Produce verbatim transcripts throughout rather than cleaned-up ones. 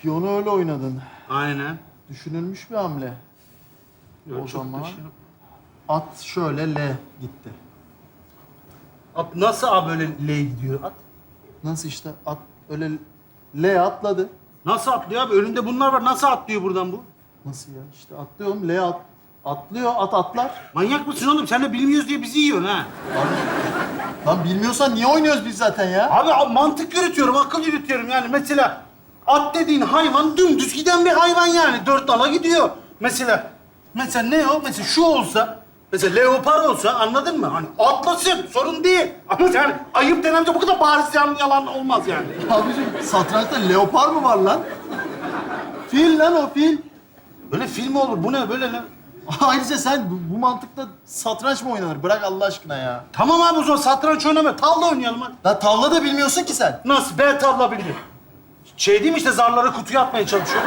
Piyonu öyle oynadın. Aynen. Düşünülmüş bir hamle. Yok, O çok zaman da şey yok. at şöyle L gitti. At nasıl abi böyle L gidiyor at? Nasıl işte at öyle L atladı. Nasıl atlıyor abi? Önünde bunlar var. Nasıl atlıyor buradan bu? Nasıl ya? İşte atlıyorum L at. Atlıyor at atlar. Manyak mısın oğlum? Sen de bilmiyoruz diye bizi yiyorsun ha. Lan bilmiyorsan niye oynuyoruz biz zaten ya? Abi a- mantık yürütüyorum, akıl yürütüyorum yani. Mesela at dediğin hayvan dümdüz giden bir hayvan yani. Dört nala gidiyor. Mesela, mesela ne o? Mesela şu olsa, mesela leopar olsa anladın mı? Hani atlasın, sorun değil. Ama yani ayıp denen şey bu kadar bariz yalan, yalan olmaz yani. Abiciğim satrançta leopar mı var lan? Fil lan o fil. Böyle film mi olur? Bu ne böyle ne? Ayrıca sen bu, bu mantıkla satranç mı oynanır? Bırak Allah aşkına ya. Tamam abi o zaman satranç oynama. Tavla oynayalım hadi. La tavla da bilmiyorsun ki sen. Nasıl? Ben tavla biliyorum. Şey değil mi işte zarları kutuya atmaya çalışıyor.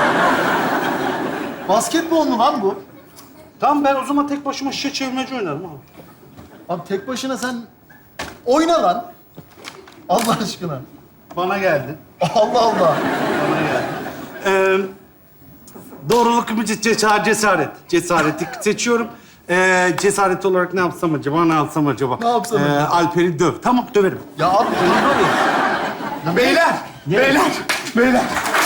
Basketbol mu lan bu? Tamam ben o zaman tek başıma şişe çevirmeci oynarım abi. Abi tek başına sen oyna lan. Allah aşkına. Bana geldi. Allah Allah. Bana geldi. Ee, doğruluk mu cesaret? Cesaret. Cesareti seçiyorum. Ee, cesaret olarak ne yapsam acaba? Ne yapsam acaba? Ne yapsam Ee, acaba? Alper'i döv. Tamam döverim. Ya abi oyna abi. Beyler, beyler, beyler.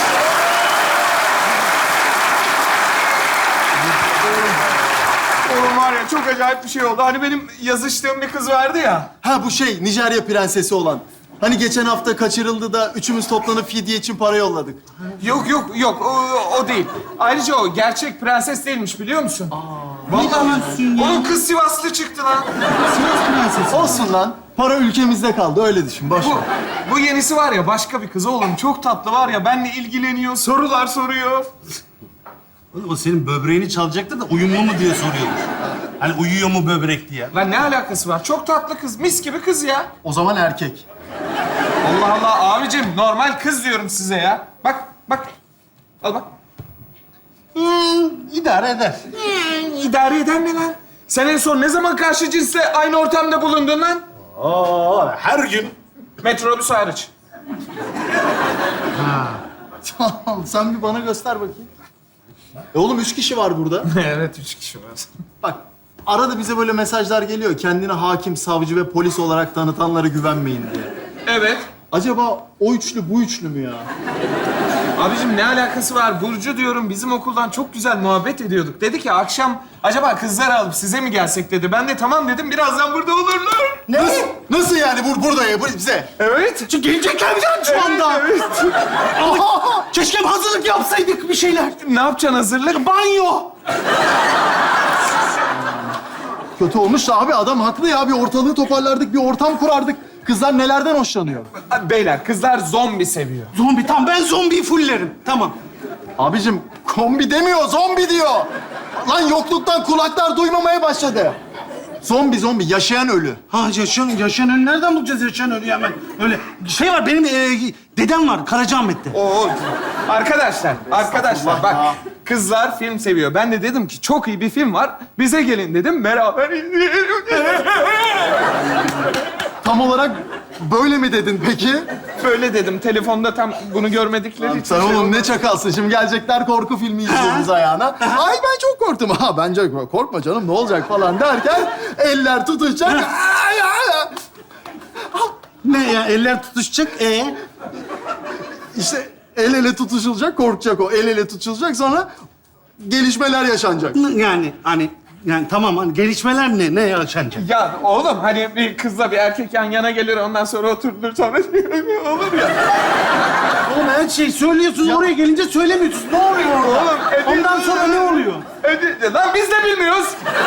Oğlum var ya çok acayip bir şey oldu. Hani benim yazıştığım bir kız vardı ya. Ha bu şey Nijerya prensesi olan. Hani geçen hafta kaçırıldı da üçümüz toplanıp fidye için para yolladık. Yok yok yok o, o değil. Ayrıca o gerçek prenses değilmiş biliyor musun? Vallahi diyorsun ya? onun kız Sivaslı çıktı lan. Sivas prensesi. Olsun lan. Para ülkemizde kaldı öyle düşün. Boş Bu, ver. bu yenisi var ya başka bir kız oğlum. Çok tatlı var ya benimle ilgileniyor, sorular soruyor. Oğlum o senin böbreğini çalacaktı da uyumlu mu diye soruyordu. Hani uyuyor mu böbrek diye. Lan ne alakası var? Çok tatlı kız, mis gibi kız ya. O zaman erkek. Allah Allah abicim normal kız diyorum size ya. Bak bak. Al bak. Hmm, idare eder. İdare eden ne lan? Sen en son ne zaman karşı cinsle aynı ortamda bulundun lan? Aa, her gün. Metrobüs hariç. Tamam sen bir bana göster bakayım. E oğlum üç kişi var burada. Evet, üç kişi var. Bak arada bize böyle mesajlar geliyor. Kendini hakim, savcı ve polis olarak tanıtanlara güvenmeyin diye. Evet. Acaba o üçlü bu üçlü mü ya? Abicim ne alakası var? Burcu diyorum bizim okuldan çok güzel muhabbet ediyorduk. Dedi ki akşam acaba kızları alıp size mi gelsek dedi. Ben de tamam dedim birazdan burada olurlar. Ne? Nasıl, nasıl yani bur burada ya bu bize? Evet. Çünkü gelecekler mi canım şu anda? Evet, evet. Aa, keşke hazırlık yapsaydık bir şeyler. Ne yapacaksın hazırlık? Banyo. Kötü olmuş da abi adam haklı ya. Bir ortalığı toparlardık, bir ortam kurardık. Kızlar nelerden hoşlanıyor? Beyler kızlar zombi seviyor. Zombi tamam ben zombiyi fullerim. Tamam. Abicim kombi demiyor, zombi diyor. Lan yokluktan kulaklar duymamaya başladı. Zombi zombi, yaşayan ölü. Ha yaşayan, yaşayan ölü nereden bulacağız yaşayan ölüyü hemen? Öyle şey var benim e, dedem var Karacaahmet'te. Oo. Arkadaşlar, arkadaşlar bak. ya. Kızlar film seviyor. Ben de dedim ki çok iyi bir film var. Bize gelin dedim. Beraber izleyelim. Tam olarak böyle mi dedin peki? Böyle dedim. Telefonda tam bunu görmedikleri için. Sen şey oğlum oldu. ne çakalsın. Şimdi gelecekler korku filmi izliyoruz ayağına. Ay ben çok korktum. Ha bence korkma canım ne olacak falan derken eller tutuşacak. Ay, ay, ay. Ne ya eller tutuşacak e? İşte el ele tutuşulacak, korkacak o. El ele tutuşulacak sonra gelişmeler yaşanacak. Yani hani yani tamam hani gelişmeler ne ne yaşanacak? Ya oğlum hani bir kızla bir erkek yan yana gelir ondan sonra oturulur sonra olur ya. Oğlum her şeyi söylüyorsun oraya gelince söylemiyorsun. Ne oluyor orada? Oğlum, e- Ondan sonra ne oluyor? Hadi, lan biz de bilmiyoruz.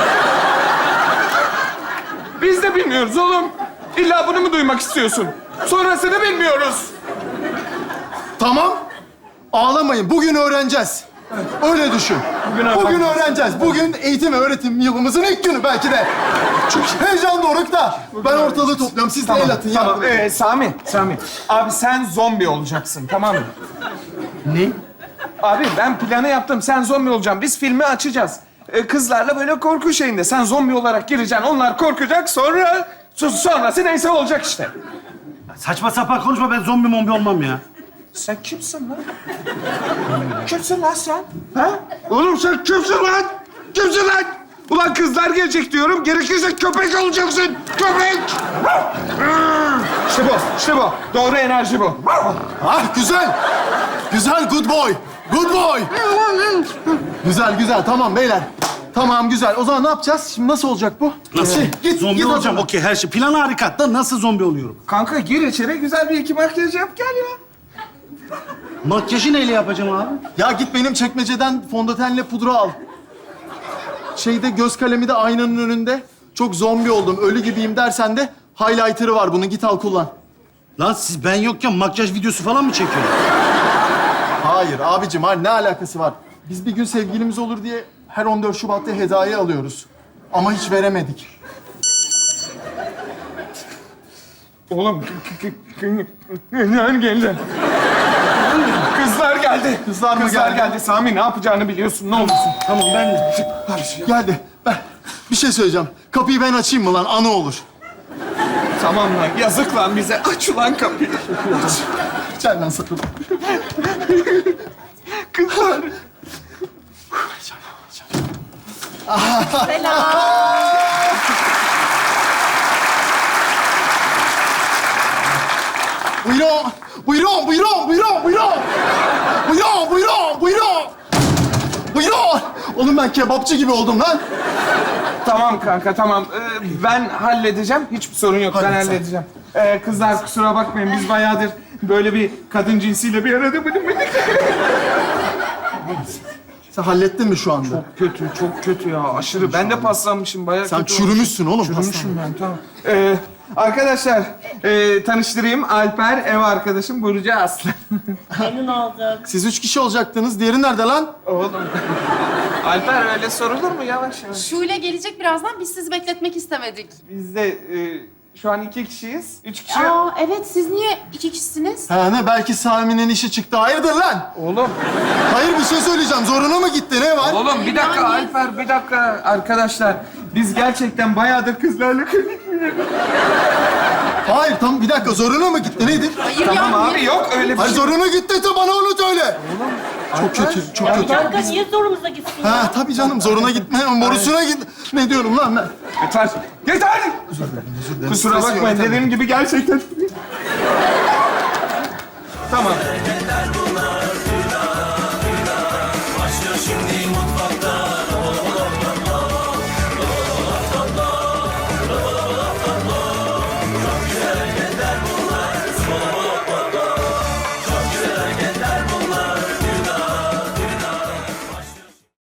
Biz de bilmiyoruz oğlum. İlla bunu mu duymak istiyorsun? Sonrasını bilmiyoruz. Tamam. Ağlamayın. Bugün öğreneceğiz. Öyle düşün. Bugün Bugün, öğreneceğiz. öğreneceğiz. Bugün eğitim ve öğretim yılımızın ilk günü belki de. Çok heyecanlı orukta. Ben ortalığı topluyorum. Siz de el atın. Tamam. yardım edin. Ee, Sami, Sami. Abi sen zombi olacaksın, tamam mı? Ne? Abi ben planı yaptım. Sen zombi olacaksın. Biz filmi açacağız. Ee, kızlarla böyle korku şeyinde. Sen zombi olarak gireceksin. Onlar korkacak. Sonra sonrası neyse olacak işte. Saçma sapan konuşma ben zombi mombi olmam ya. Sen kimsin lan? Kimsin lan sen? Ha? Oğlum sen kimsin lan? Kimsin lan? Ulan kızlar gelecek diyorum. Gerekirse köpek olacaksın. Köpek! İşte bu, işte bu. Doğru enerji bu. Ah güzel. Güzel, good boy. Good boy. Güzel, güzel. Tamam beyler. Tamam, güzel. O zaman ne yapacağız? Şimdi nasıl olacak bu? Nasıl? Şey, git, zombi git o olacağım. zaman. Okey, her şey. Plan harika. Da nasıl zombi oluyorum? Kanka gir içeri, güzel bir iki makyaj yap gel ya. Makyajı neyle yapacağım abi? Ya git benim çekmeceden fondötenle pudra al. Şeyde göz kalemi de aynanın önünde. Çok zombi oldum, ölü gibiyim dersen de highlighter'ı var bunun. Git al kullan. Lan siz ben yokken makyaj videosu falan mı çekiyorsunuz? Hayır abicim, hayır, ne alakası var? Biz bir gün sevgilimiz olur diye her on dört Şubat'ta hediye alıyoruz. Ama hiç veremedik. Oğlum, kızlar geldi. Kızlar geldi. Kızlar mı Kızlar geldi? geldi. Sami ne yapacağını biliyorsun, ne olursun. Tamam ben... Geldi. Ben bir şey söyleyeceğim. Kapıyı ben açayım mı lan? Anı olur. Tamam lan, yazık lan bize. Aç ulan kapıyı. Gel lan sakın. Kızlar. Buyurun. Buyurun, buyurun, buyurun, buyurun. Buyurun, buyurun, buyurun. Buyurun. Oğlum ben kebapçı gibi oldum lan. Tamam kanka, tamam. Ee, ben halledeceğim. Hiçbir sorun yok, ben Hallet sen. halledeceğim. Ee, kızlar kusura bakmayın, biz bayağıdır böyle bir kadın cinsiyle bir arada bulunmadık. Sen hallettin mi şu anda? Kötü, çok kötü ya. Aşırı. Ben de paslanmışım, bayağı Sen kötü çürümüşsün oğlum. olmuş. Çürümüşüm ben, tamam. Ee, arkadaşlar, e, tanıştırayım. Alper, ev arkadaşım Burcu Aslı. Memnun olduk. Siz üç kişi olacaktınız. Diğeri nerede lan? Oğlum. Alper öyle sorulur mu? Yavaş yavaş. Şule gelecek birazdan. Biz sizi bekletmek istemedik. Biz de e, şu an iki kişiyiz. Üç kişi... Aa evet, siz niye iki kişisiniz? Ha ne? Belki Sami'nin işi çıktı. Hayırdır lan? Oğlum, Hayır, bir şey söyleyeceğim. Zoruna mı gitti? Ne var? oğlum bir dakika Yani- Alper, bir dakika. Arkadaşlar, biz gerçekten bayağıdır kızlarla konuşmuyoruz. Hayır, tam bir dakika. Zoruna mı gitti? Nedir? Hayır Tamam ya. abi, yok öyle bir Hayır, şey. zoruna gitti de bana onu söyle. Çok kötü, çok kötü. Kanka niye zorumuza gitsin ya? Ha tabii canım, zoruna gitme. Borusuna git. Ne diyorum lan ben? Yeter, yeter! Kusura Stresi bakmayın, yönetemem. dediğim gibi gerçekten... Tamam. Yeter bunlar